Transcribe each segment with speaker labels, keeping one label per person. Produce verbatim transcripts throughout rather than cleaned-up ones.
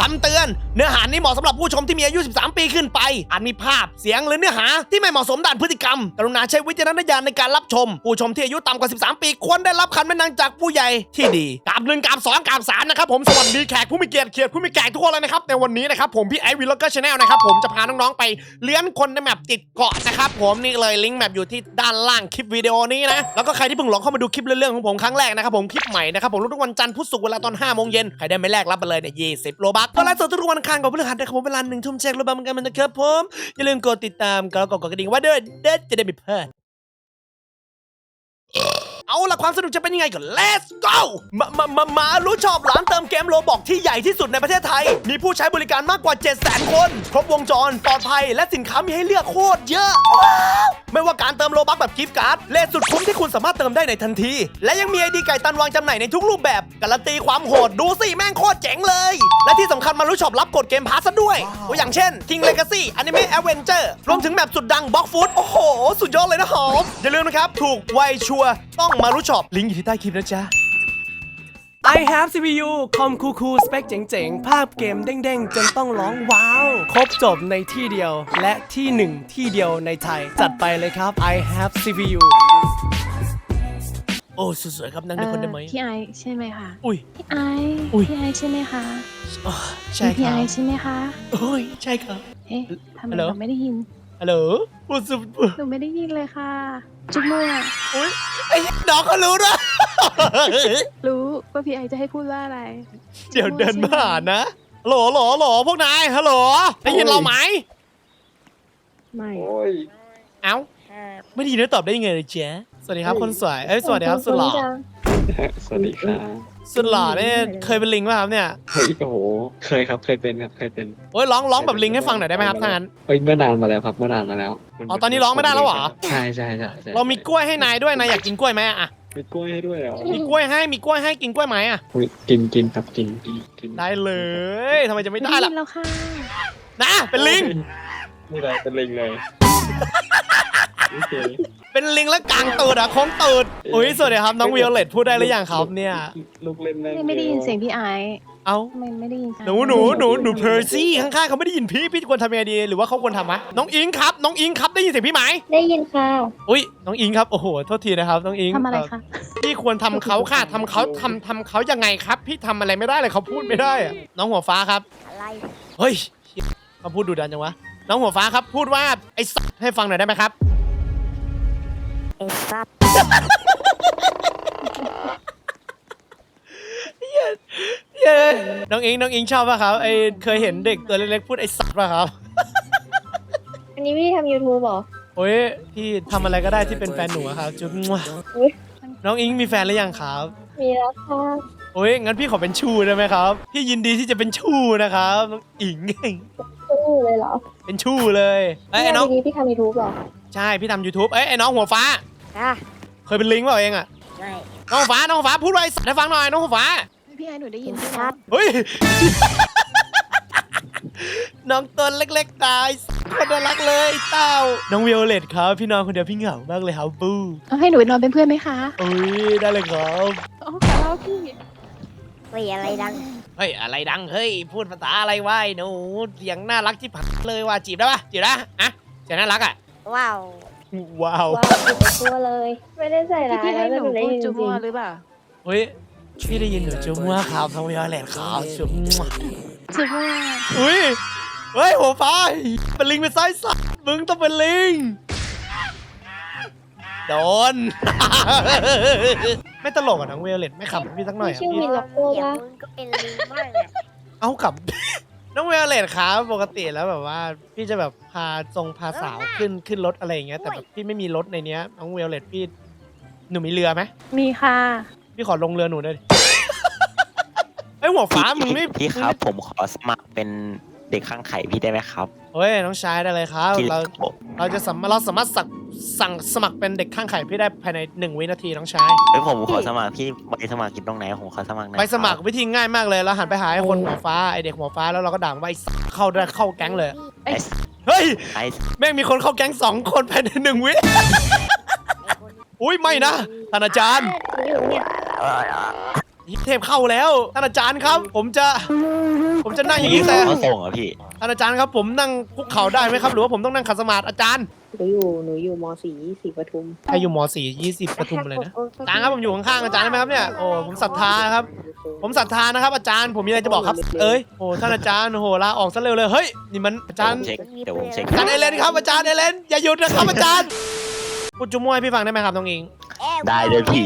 Speaker 1: ำเตือนเนื้อหานี้เหมาะสำหรับผู้ชมที่มีอายุสิบสามปีขึ้นไปอาจมีภาพเสียงหรือเนื้อหาที่ไม่เหมาะสมด้านพฤติกรรมกรุณาใช้วิจารณญาณในการรับชมผู้ชมที่อายุต่ำกว่าสิบสามปีควรได้รับคำแนะนำจากผู้ใหญ่ที่ดีกราบหนึ่งกราบสองกราบสามนะครับผมสวัสดีแขกผู้มีเกียรติเขียรติผู้มีแขกทุกคนเลยนะครับในวันนี้นะครับผมพี่ไอซ์วีล็อกเกอร์ชาแนลนะครับผมจะพาน้องๆไปเลี้ยงคนในแมปติดเกาะนะครับผมนี่เลยลิงก์แมปอยู่ที่ด้านล่างคลิปวิดีโอนี้นะแล้วก็ใครที่เพิ่งลองเข้ามาดูคลิปเรื่องของผมครั้งแรกนะครับผมคลิปใหม่นะครับผมทุกวันจันทร์พุธศุกร์เวลาตอนห้าโมงเย็นใครได้ไม่แรกรับไปเลยเนี่ยยี่สิบโลบัคก็ไลฟ์สดทุกวันอังคารกับพฤหัสนะครับผมเวลาหนึ่งทุ่มแชร์โลบัคเหมือนกันนะครับผมอย่าลืมกดติดตามกดกดกระดิ่งไว้ด้วยเด็ดจะได้ไม่พลาดเอาล่ะความสนุกจะเป็นยังไงก่อน let's go มามามามารู้ชอบร้านเติมเกมโลบอกที่ใหญ่ที่สุดในประเทศไทยมีผู้ใช้บริการมากกว่า เจ็ดแสน คนครบวงจรปลอดภัยและสินค้ามีให้เลือกโคตรเยอะว้าวไม่ว่าการเติมโลบัคแบบกิฟต์การ์ดเลทสุดคุ้มที่คุณสามารถเติมได้ในทันทีและยังมีไอดีไก่ตันวางจำหน่ายในทุกรูปแบบการันตีความโหดดูสิแม่งโคตรเจ๋งเลยและที่สำคัญมารู้ชอบรับกดเกมพาสซะด้วยตัวอย่างเช่น King Legacy Anime Adventure รวมถึงแมปสุดดัง Block Food โอ้โหสุดยอดเลยนะหอมอย่าลืมนะครับถูกไวชัวร์ต้องมารู้ชอบลิงก์อยู่ที่ใต้คลิปนะจ๊ะ
Speaker 2: I have ซี พี ยู คอมคูคูสเปคเจ๋งๆ ภาพเกมเด้งๆ จนต้องร้องว้าว ครบจบในที่เดียว และที่หนึ่งที่เดียวในไทย จัดไปเลยครับ I have ซี พี ยู
Speaker 1: โอ้สวยๆครับนั่งด้วยคนได้ไหม
Speaker 3: พี่ไอใช่ไหมคะ
Speaker 1: อุ้ย
Speaker 3: พี่ไอ
Speaker 1: อุ๊ย
Speaker 3: พี่ไอใช่ไหมคะ
Speaker 1: อ๋อใช่ค
Speaker 3: พี่
Speaker 1: รั
Speaker 3: ไอบ ใช่ไหมคะ
Speaker 1: โอ้ยใช่ครับ
Speaker 3: เอ๊ะทำไม
Speaker 1: ฮัลโหล
Speaker 3: เราไม่ได้ยิน
Speaker 1: ฮัลโหลพูดสุด
Speaker 3: หนูไม่ได้ยินเลยค่ะ จุ๊บมั่ว
Speaker 1: อุ้ยไอ้น้องเขารู้ด้วย
Speaker 3: รู้ว่าพี่ไอจะให้พูดว่าอะไร
Speaker 1: เดี๋ยวเดินมาหานะฮัลโหลฮัลโหลฮัลโหลพวกนายฮัลโหลได้ยินเราไหม
Speaker 3: ไม่
Speaker 4: โอ้ย
Speaker 1: เอ้าไม่ได้ยินแล้วตอบได้ยังไงเลยเจ๊สวัสดีครับคนสวยเอ้ยสวัสดีครับสุดหล่อ
Speaker 4: สวัสดีครับ
Speaker 1: สุดหล่อเนี่ยเคยเป็นลิงป่ะครับเนี่ย
Speaker 4: เฮ้ยโอ้โห เคยครับ เคยเป็นครับ เคยเป็น
Speaker 1: โอ้ยร้องร้องแบบลิงให้ฟังหน่อยได้ไหมครับถ้างั้น
Speaker 4: เฮ้ยเมื่อนานมาแล้วครับ เมื่อนานมาแล้ว
Speaker 1: อ๋อตอนนี้ร้องไม่ได้แล้วเหรอ
Speaker 4: ใช่ใช่ใช่ใช่
Speaker 1: เรามีกล้วยให้นายด้วยนายอยากกินกล้วยไหมอะ
Speaker 4: มีกล้วยให้ด้วยเหรอ
Speaker 1: มีกล้วยให้มีกล้วยให้กินกล้วยไหมอะ
Speaker 4: อุ๊ยกินกินครับกินกินกิน
Speaker 1: ได้เลยทำไมจะไม่
Speaker 3: ไม่
Speaker 1: ได้
Speaker 3: ได้
Speaker 1: ล่ะ
Speaker 3: ยินแล้วค่ะ
Speaker 1: นะเป็นลิง
Speaker 4: ไม่ได้เป็นลิงเลยโอเค
Speaker 1: เป็นลิงแล้วกลางตูดอะโค้งตูดอุ้ยสวัสดีครับน้องวิโอเลตพูดได้หรือยังครับเนี่ย
Speaker 4: ลูกเล่นได้
Speaker 3: ไม่ไม่ได้ยินเสียงพี่ไอ
Speaker 1: เอ้า
Speaker 3: ทำไมไม่ได้ยินเสียง
Speaker 1: หนูหนูหนูหนูเพอร์ซี่ข้างๆเขาไม่ได้ยินพี่พี่ควรทำยังไงดีหรือว่าเขาควรทำมะน้องอิงครับน้องอิงครับได้ยินเสียงพี่ไหม
Speaker 5: ได้ยินค่ะ
Speaker 1: อุ้ยน้องอิงครับโอ้โหโทษทีนะครับน้องอิง
Speaker 3: ทำอะไรคะ
Speaker 1: พี่ควรทำเขาค่ะทำเขาทำทำเขายังไงครับ พี่ทำอะไรไม่ได้เลยเขาพูดไม่ได้อะน้องหัวฟ้าครับ
Speaker 5: อะไร
Speaker 1: เฮ้ยเขาพูดดูดันจังวะน้องหัวฟ้าครับพูดว่าไอ้สัตว์ให้ฟังหน่อยได้ไหมครับ
Speaker 5: ไอ้ซับ
Speaker 1: เย้น้องอิงน้องอิงชอบป่ะครับไอเคยเห็นเด็กตัวเล็กๆพูดไอ้สัตว์ป่ะครับ
Speaker 5: อันนี้พี่ทำ YouTube เหรอ
Speaker 1: โอ้ยพี่ทำอะไรก็ได้ที่เป็นแฟนหนูอะครับจุ๊บมั่ว
Speaker 5: อุ๊ย
Speaker 1: น้องอิงมีแฟนหรือยังครับ
Speaker 5: มีแล้วค่ะ
Speaker 1: โอ้ยงั้นพี่ขอเป็นชูได้ไหมครับพี่ยินดีที่จะเป็นชูนะครับน้องอิง
Speaker 5: สู้เลยเหรอ
Speaker 1: เป็นชูเลยเอ้ยไอ้น้อง
Speaker 5: พี่พี่ทำ YouTube เหรอ
Speaker 1: ใช่พี่ทำ YouTube เอ้ยไอ้น้องหัวฟ้า
Speaker 5: อ่ะ
Speaker 1: เคยเป็นลิงเปล่าเองอะ
Speaker 5: ใช่
Speaker 1: น้องหัวฟ้าน้องหัวฟ้าพูดไว้สัตว์ให้ฟังหน่อยน้องหัวฟ้า
Speaker 3: พี่ไอหนูได้ยิน
Speaker 5: ไอ้
Speaker 3: พี่
Speaker 5: ซั
Speaker 3: นะ
Speaker 5: บ
Speaker 1: เฮ้ย น้องตัวเล็กๆตายคนน่ารักเลยเต้าน้องวิโอเลตครับพี่นอนคนเดียวพี่เหงามากเลยครับบู
Speaker 3: เอาให้หนูไปนอนเป็นเพื่อนไหมคะ
Speaker 1: โอ้ยได้เลยครับ
Speaker 3: อ๋อขอเล่าพี่
Speaker 5: เฮ้ยอะไรดัง
Speaker 1: เฮ้ยอะไรดังเฮ้ยพูดภาษาอะไรวะไอ้หนูเสียงน่ารักที่ผักเลยว่ะจีบได้ปะจีบได้อะเสียงน่ารักอะ
Speaker 5: ว้าว
Speaker 1: ว้าว
Speaker 5: ว้าวอยู่ในตัวเลย ไม่ได้ใส่
Speaker 3: ที่
Speaker 5: ร้าย
Speaker 3: พี่ให้
Speaker 5: แล้ว
Speaker 3: หนู
Speaker 5: แต่ได้
Speaker 3: พูด
Speaker 5: ยินจ
Speaker 3: จุ๊
Speaker 5: ริ
Speaker 3: บมั่ว
Speaker 5: ง
Speaker 3: หรือเปล่า
Speaker 1: เฮ้ยพี่ได้ยินหนูจุ๊บมั่วครับน้องวิโอเลตครับจุ๊บมั่ว
Speaker 3: จุ๊บมั่ว
Speaker 1: อุ้ยเฮ้ยหัวฟ้าเป็นลิงเป็นไส้สัตว์มึงต้องเป็นลิงโดน ไม่ตลกอ่ะน้องวิโอเลตไม่ขำพี่สักหน่อย
Speaker 5: พี่
Speaker 1: อ่ะ
Speaker 5: ชื่อ
Speaker 1: พี่
Speaker 5: มินล็อกโก้
Speaker 6: เดี๋ยว
Speaker 5: ปะ
Speaker 6: มึงก็เป็นลิงบ้างแหละ
Speaker 1: เอากลับ น้องเวลเลตครับปกติแล้วแบบว่าพี่จะแบบพาทรงพาสาวขึ้นขึ้นรถอะไรอย่างเงี้ยแต่แบบพี่ไม่มีรถในเนี้ยน้องเวลเลตพี่หนูมีเรือไหม
Speaker 3: มีค่ะ
Speaker 1: พี่ขอลงเรือหนูหน่อยดิ ไอยหัวฟ้ามึงไม่
Speaker 7: พี่ครับผมขอสมัครเป็นเด็กข้างไข่พี่ได้ไหมครับ
Speaker 1: เฮ้ยน้องชายได้เลยครับ
Speaker 7: ที่
Speaker 1: เราเราจะสามารถเราสามารถสั่งสั่งสมัครเป็นเด็กข้างไข่พี่ได้ภายในหนึ่งวินาทีน้องชาย
Speaker 7: เฮ้ยผมขอสมัครพี่ใบสมัครกินตรงไหนผมขอสมัครหน่อย
Speaker 1: ไปสมัคร
Speaker 7: คบ
Speaker 1: วิธีง่ายมากเลยเราหันไปหาไอ้คนหัวฟ้าไอเด็กหัวฟ้าแล้วเราก็ด่ามันว่าไอ้สัสเข้าได้เข้าแก๊งเลย
Speaker 7: ไอ้
Speaker 1: เฮ้ย
Speaker 7: ไอ้
Speaker 1: แม่งมีคนเข้าแก๊งสองคนภายในหนึ่งวิ อุ้ยไม่นะท่านอาจารย์
Speaker 5: อยู่เนี่ย
Speaker 1: เทพเข้าแล้วท่านอาจารย์ครับ ผมจะผมจะนั่งอย่างนี้แต่
Speaker 7: เขาส่งเหรอพี่
Speaker 1: ท่านอาจารย์ครับผมนั่งคุกเข่าได้ไหมครับหรือว่าผมต้องนั่งขัดสมาธิอาจารย์
Speaker 6: หนูอยู่หนูอยู่มสี่สี่ปทุม
Speaker 1: ใครอยู่มสี่ยี่สิบปทุมเลยนะอาจารย์ครับผมอยู่ข้างๆอาจารย์ได้ไหมครับเนี่ยโอ้ผมศรัทธาครับ ผมศรัทธานะครับอาจารย์ผมมีอะไรจะบอกครับ เอ้ยโอ้ท่านอาจารย์โอ้โหลาออกซะเร็วเลยเฮ้ยนี่มันอาจารย์
Speaker 7: เช็คเดี๋ยวผมเช็ค
Speaker 1: อาจารย์เอเลนครับอาจารย์เอเลนอย่าหยุดนะครับอาจารย์พูดจุ๊มวยพี่ฟังได้ไหมครับน้องอิง
Speaker 7: ได้เลยพี่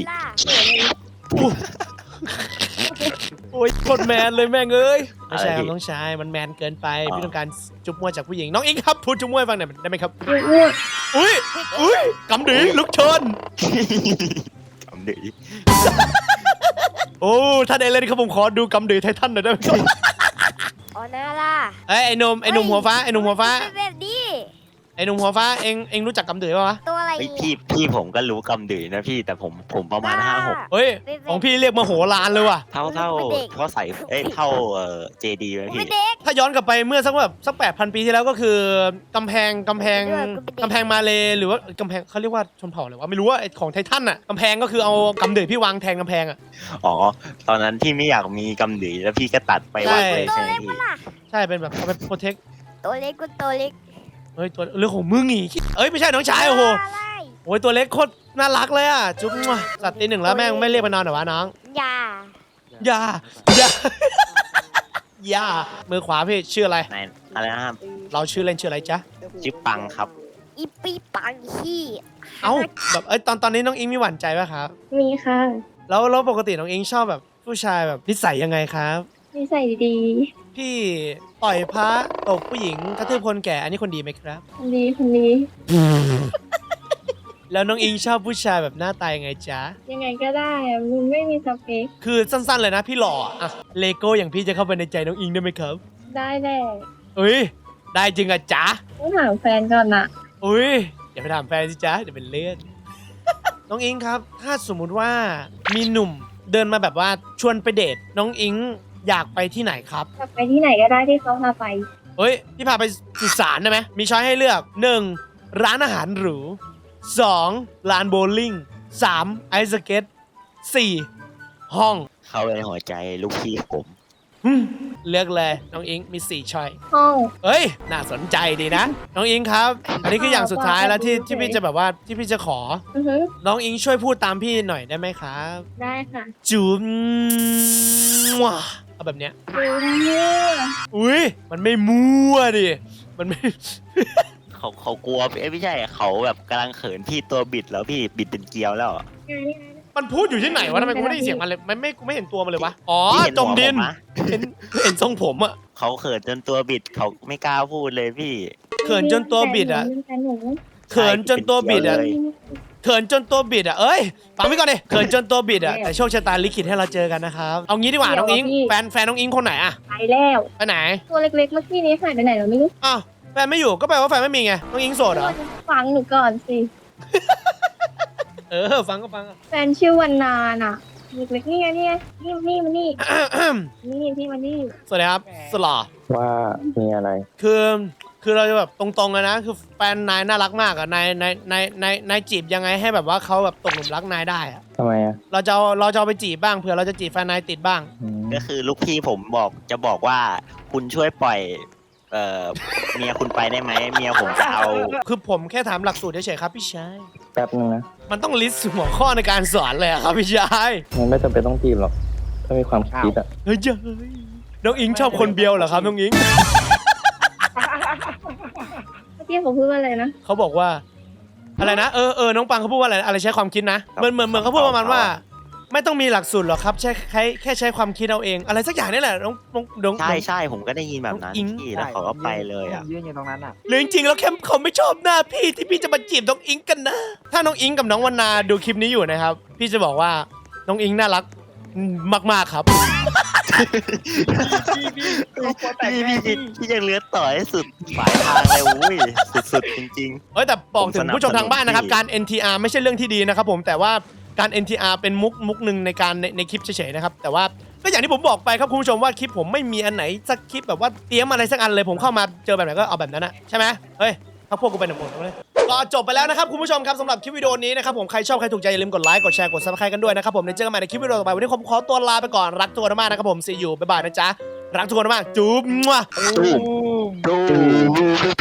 Speaker 1: โอ้ยโคตรแมนเลยแม่งเอ้ยไม่ใช่ครับน้องชายมันแมนเกินไปพี่ต้องการจุ๊บมวยจากผู้หญิงน้องอิงครับพูดจุ๊บมวยฟังหน่อยได้ไหมครับอุ้ยอุ้ยกำดือลุกชน
Speaker 7: กำดือ
Speaker 1: โอ้ท่านเอเลนครับผมขอดูกำดือไททันหน่อยได้ไหมครับ
Speaker 5: อ๋อน่าล่ะ
Speaker 1: เอ้ยไอ้หนุ่มไอ้หนุ่มหัวฟ้าไอ้หนุ่มหัวฟ้า
Speaker 5: เป็นแบบนี้
Speaker 1: ไอ้หนุ่มหัวฟ้าเองเองรู้จักกำดือป่ะวะ
Speaker 5: ตัวอะไร
Speaker 7: เฮ้ยพี่พี่ผมก็รู้กำดือนะพี่แต่ผมผมประมาณห้าหก
Speaker 1: เฮ้ยของพี่เรียกมโหฬารเลยว่ะ
Speaker 7: เท่าเท่าเท่าใส่เอ้ยเท่าเอ่อเจดีไหมพี่
Speaker 5: เป็นเด็ก
Speaker 1: ถ้าย้อนกลับไปเมื่อสักแบบสักแปดพันปีที่แล้วก็คือกำแพงกำแพงกำแพงมาเลหรือว่ากำแพงเขาเรียกว่าชนเผ่าอะไรวะไม่รู้ว่าไอ้ของไททันอ่ะกำแพงก็คือเอากำดือพี่วางแทนกำแพงอ่ะ
Speaker 7: อ๋อตอนนั้นที่ไม่อยากมีกำดือแล้วพี่ก็ตัดไปวางเลย
Speaker 5: ตัว
Speaker 7: ใช่ไหม
Speaker 5: เล็ก
Speaker 7: พี่
Speaker 5: ปะล่ะ
Speaker 1: ใช่เป็นแบบเอาไปโปรเทค
Speaker 5: ตัวเล็กก็ตัวเล็ก
Speaker 1: เฮ้ยตัวเรื่องของมึงอีกเอ้ยไม่ใช่น้องชายโอ้โห
Speaker 5: อะไร
Speaker 1: โอ้ยตัวเล็กโคตรน่ารักเลยอ่ะจุ๊บมั่วสัตว์ตีหนึ่งแล้วแม่งไม่เรียกมานอนเหรอวะน้อง
Speaker 5: ยา
Speaker 1: อย่าอย่า อย่ามือขวาพี่ชื่ออะไร
Speaker 7: ไหนอะไรนะครับ
Speaker 1: เราชื่อเล่นชื่ออะไรจ๊ะ
Speaker 7: ชื่อปังครับ
Speaker 5: อีปีปังขี้
Speaker 1: เอ้าแบบเอ้ยตอนตอนนี้น้องอิงมีหวั่นใจป่ะครับ
Speaker 3: มีค่ะ
Speaker 1: แล้วแล้วปกติน้องอิงชอบแบบผู้ชายแบบนิสัยยังไงครับ
Speaker 3: นิสัยดี
Speaker 1: พี่ต่อยพระตบผู้หญิงกระทืบคนแก่อันนี้คนดีไหมครับ
Speaker 3: คนดีคนดี
Speaker 1: แล้วน้องอิงชอบผู้ชายแบบหน้าตายังไงจ๊ะ
Speaker 3: ยังไงก็ได้อะมันไม่มีสเปค
Speaker 1: คือสั้นๆเลยนะพี่หล่ออะเลโก้อย่างพี่จะเข้าไปในใจน้องอิงได้ไหมครับ
Speaker 3: ได้แน่
Speaker 1: เอ้ยได้จริงอะจ๊ะ
Speaker 3: ต้องถามแฟนก่อนนะ
Speaker 1: อุ้ยอย่าไปถามแฟนสิจ๊ะเดี๋ยวเป็นเลือด น้องอิงครับ ถ้าสมมุติว่ามีหนุ่มเดินมาแบบว่าชวนไปเดทน้องอิงอยากไปที่ไหนครับ
Speaker 3: กลับไปที่ไหนก็ได้ที่เขาพาไป
Speaker 1: เฮ้ยพี่พาไปสุสานได้ไหมมีช้อยให้เลือกหนึ่งร้านอาหารหรูสองลานโบว์ลิ่งสามไอซ์สเก็ตสี่ห้อง
Speaker 7: เข้าไปในหัวใจลูกพี่ผม
Speaker 1: อืมเลือกเลยน้องอิงมีสี่ช้อย
Speaker 3: ห้อง
Speaker 1: เฮ้ยน่าสนใจดีนะ น้องอิงครับ อันนี้คืออย่างสุดท้ายแล้วที่ที่พี่จะแบบว่าที่พี่จะขอ
Speaker 3: อือฮึ
Speaker 1: น้องอิงช่วยพูดตามพี่หน่อยได้ไหมครับ
Speaker 3: ได้ค่ะ
Speaker 1: จุ๊บมั่วเอาแบบเนี้ย
Speaker 3: ดูมั่ว
Speaker 1: อุ้ยมันไม่มั่วดิมันไม่
Speaker 7: เขาเขากลัวเอ้ยไม่ใช่เขาแบบกำลังเขินพี่ตัวบิดแล้วพี่บิดเป็นเกลียวแล้วอะ
Speaker 3: งานนี้ไง
Speaker 1: มันพูดอยู่ที่ไหนวะทำไมกูไม่ได้ยินเสียงมันเลยไม่ไม่กูไม่เห็นตัวมันเลยวะอ๋อ
Speaker 7: พี่เห็น
Speaker 1: จ
Speaker 7: หั
Speaker 1: ม
Speaker 7: ว
Speaker 1: ดิน
Speaker 7: ผมนะ
Speaker 1: เห็นเห็นทรงผมอะ
Speaker 7: เขาเขินจนตัวบิดเขาไม่กล้าพูดเลยพี่
Speaker 1: เขินจนตัวบิดอะ
Speaker 3: แฟนหนู
Speaker 1: เขินจนตัวบิดอะ
Speaker 7: เลย
Speaker 1: เขินจนตัวบิดอะเอ้ยฟังไว้ก่อนดิเขินจนตัวบิดอะแต่โชคชะตาลิขิตให้เราเจอกันนะครับเอางี้ดีกว่าน้องอิงแฟนแฟนน้องอิงคนไหนอะ
Speaker 3: ไปแล้ว
Speaker 1: ไปไหน
Speaker 3: ตัวเล็กๆเมื่อกี้นี้หายไปไหนเราไม่รู้
Speaker 1: อ้าวแฟนไม่อยู่ก็แปลว่าแฟนไม่มีไงน้องอิงโสดเหรอ
Speaker 3: ฟังหนูก่อนสิ
Speaker 1: เออฟังก็ฟังอะ
Speaker 3: แฟนชื่อวันนาน่ะเล็กๆนี่ไงนี่ไงนี่นี่มานี่ นี่พี่มานี่
Speaker 1: สวัสดีครับสลอ
Speaker 4: ว่ามีอะไร
Speaker 1: คือคือเราจะแบบตรงๆเลยนะ คือแฟนนายน่ารักมากอะนายนายนายนายนายจีบยังไงให้แบบว่าเขาแบบตกหลุมรักนายได้อะ
Speaker 4: ทำไมอ่ะ
Speaker 1: เราจะเอาเราจะเอาไปจีบบ้างเผื่อเราจะจีบแฟนนายติดบ้าง
Speaker 4: อืม
Speaker 7: ก็คือลูกพี่ผมบอกจะบอกว่าคุณช่วยปล่อยเอ่อเมียคุณไปได้ไหมเมียผมจะเอา
Speaker 1: คือผมแค่ถามหลักสูตรเฉยๆครับพี่ชาย
Speaker 4: แป๊บนึงนะ
Speaker 1: มันต้องลิสต์หัวข้อในการสอนเลยอะครับพี่ชาย
Speaker 4: มันไม่จำเป็นต้องจีบหรอก ถ้ามีความคิดอ่ะ
Speaker 1: เฮ้ยเจ้ยน้องอิงชอบคนเบียวเหรอครับน้องอิง
Speaker 3: เมื่อกี้เขาพูดว่าอะไรนะ
Speaker 1: เขาบอกว่า อะไรนะเออเออน้องปังเขาพูดว่าอะไรอะไรใช้ความคิดนะเหมือนเหมือนเหมือนเขาพูดประมาณว่า ไม่ต้องมีหลักสูตรหรอกครับแค่แค่แค่ใช้ความคิดเอาเอง อะไรสักอย่างนี่แหละน้องน้องน้อง
Speaker 7: ใช่ใช่ผมก็ได้ยินแบบนั้น
Speaker 1: อิง
Speaker 7: พี่แล้วเขาก็ไปเลยอ่ะ
Speaker 8: ยืนอยู่ตรงนั้นอ่ะ
Speaker 1: หรือจริงๆแล้วแค่เขาไม่ชอบหน้าพี่ที่พี่จะมาจีบน้องอิงกันนะ ถ้าน้องอิงกับน้องวรรณาดูคลิปนี้อยู่นะครับ พี่จะบอกว่าน้องอิงน่ารักมากๆครับ
Speaker 7: พี่พี่พี่พี่ยังเลือดต่อให้สุดปลายทางเลยอุ้ยสุดๆจริง
Speaker 1: เอ้ยแต่บอกถึงผู้ชมทางบ้านนะครับ
Speaker 7: ผมสนับสนุน
Speaker 1: การ เอ็น ที อาร์ ไม่ใช่เรื่องที่ดีนะครับผมแต่ว่าการ เอ็น ที อาร์ เป็นมุกมุกหนึ่งในการในในคลิปเฉยๆนะครับแต่ว่าก็อย่างที่ผมบอกไปครับคุณผู้ชมว่าคลิปผมไม่มีอันไหนสักคลิปแบบว่าเตรียมอะไรสักอันเลยผมเข้ามาเจอแบบไหนก็เอาแบบนั้นอะใช่ไหมเฮ้ยพักพวกกูไปหนึ่งหมดเลยก็จบไปแล้วนะครับคุณผู้ชมครับสำหรับคลิปวิดีโอนี้นะครับผมใครชอบใครถูกใจอย่าลืมกดไลค์กดแชร์กดซับสไครต์กันด้วยนะครับผมเดี๋ยวเจอกันใหม่ในคลิปวิดีโอต่อไปวันนี้ผมขอตัวลาไปก่อนรักตัวมากนะครับผม see you บ๊ายบายนะจ๊ะรักทุกคนมากจุ๊บมั่ว
Speaker 7: ดูดู